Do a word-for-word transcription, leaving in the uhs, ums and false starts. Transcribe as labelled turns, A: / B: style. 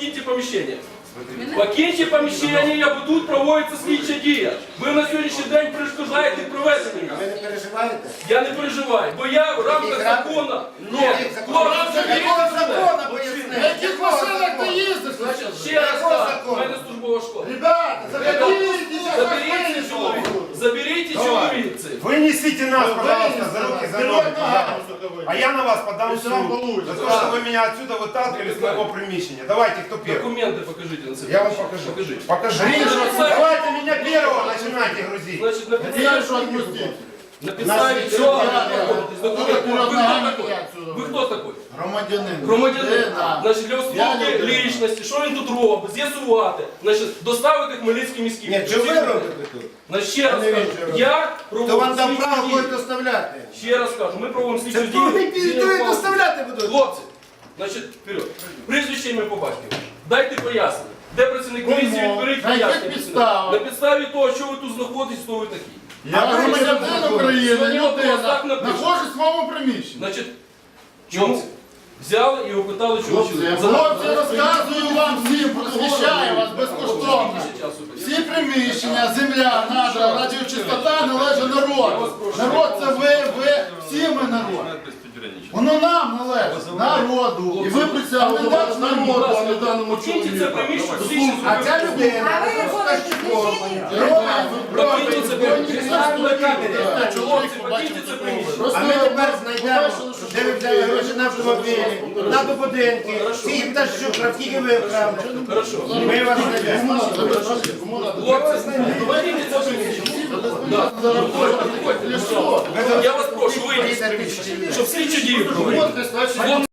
A: покиньте поміщення. Покиньте поміщення, бо тут проводиться слідча дія. Ви на сьогоднішній день перешкоджаєте проведенню.
B: Ви не переживаєте?
A: Я не переживаю, бо я в рамках закону. Ні,
B: Якого
A: хлопці,
B: закону
A: заберіть
B: поясни?
A: мене.
C: Яких машинах ти їздиш?
A: Ще раз кажу, в мене службова школа.
C: Ребята, заберіть
A: Заберіть цих чоловік. Заберіть чоловік цих.
D: Вы несите нас, пожалуйста, за руки, за ноги, пожалуйста. А я на вас подам в
C: Если вам
D: суд.
C: получится.
D: За то, что вы меня отсюда выталкивали с моего приміщения. Давайте, кто первый?
A: Документи покажіть на це.
D: Я вам покажу.
A: Покажіть.
D: Покажите. Давайте меня первого начинайте грузить.
A: Значить, на
C: Я
A: підставі,
C: что отпустить?
A: на підставі
D: Нас
A: чого ви
C: нічого
A: знаходитесь?
C: не
A: Документи. Ви
C: було.
A: хто такой? Ви хто такой?
C: Громадянин.
A: Громадянин.
C: Да.
A: Значить, для
C: Я
A: установки
C: не людина.
A: лічності, що він тут робить, з'ясувати, значить, доставити Хмельницький міський.
B: Ні, що ви робите тут?
A: Значить, ще раз
B: не
A: кажу,
B: він, що робить.
A: я
B: То
A: проводжу
B: вам дав
A: слідчу
B: право
A: дію.
B: когось доставляти.
A: Ще раз кажу, ми проводимо слідчу
B: Це
A: дію.
B: хто не підуть доставляти будуть?
A: Хлопці, значить, вперед. Прізвище ім'я по батькові. Дайте пояснення. Де працівник поліції,
C: Кому?
A: відберіть
C: На яких
A: пояснення.
C: підставах?
A: На підставі того, що ви тут знаходитесь, хто ви такі.
C: Я громадянин України,
A: Сьогодні вопрос
C: людина,
A: так напишемо.
C: знаходжусь в своєму приміщенні.
A: Значить, чому? Взяли і опитали, чого
C: Хлопці,
A: чоловік.
C: хлопці, розказую вам всім, просвіщаю вас безкоштовно. Всі приміщення, земля, надра, радіочистота належить народу. Народ це ви, ви, всі ми народ. Воно нам належить, народу. І ви присягли до вас народу, а не даному
A: Покиньте це
C: чоловіку.
A: приміщення, всі
B: А ця людина,
E: А ви виходите з приміщення?
A: Покиньте це приміщення.
C: Так,
A: Хлопці,
C: чоловік
A: покиньте це приміщення.
C: Просто
B: а ми тепер
C: ви
B: знайдемо,
C: побачили, що
B: де ви взяли гроші на автомобілі, на будинки, скільки пташок, скільки ви вкрали.
A: Хорошо.
B: Ми вас знайдемо.
A: Хлопці, покиньте це приміщення. Да. Я вас прошу, вийдіть з приміщення, щоб слідчу дію провели.
C: Хлопці, значить,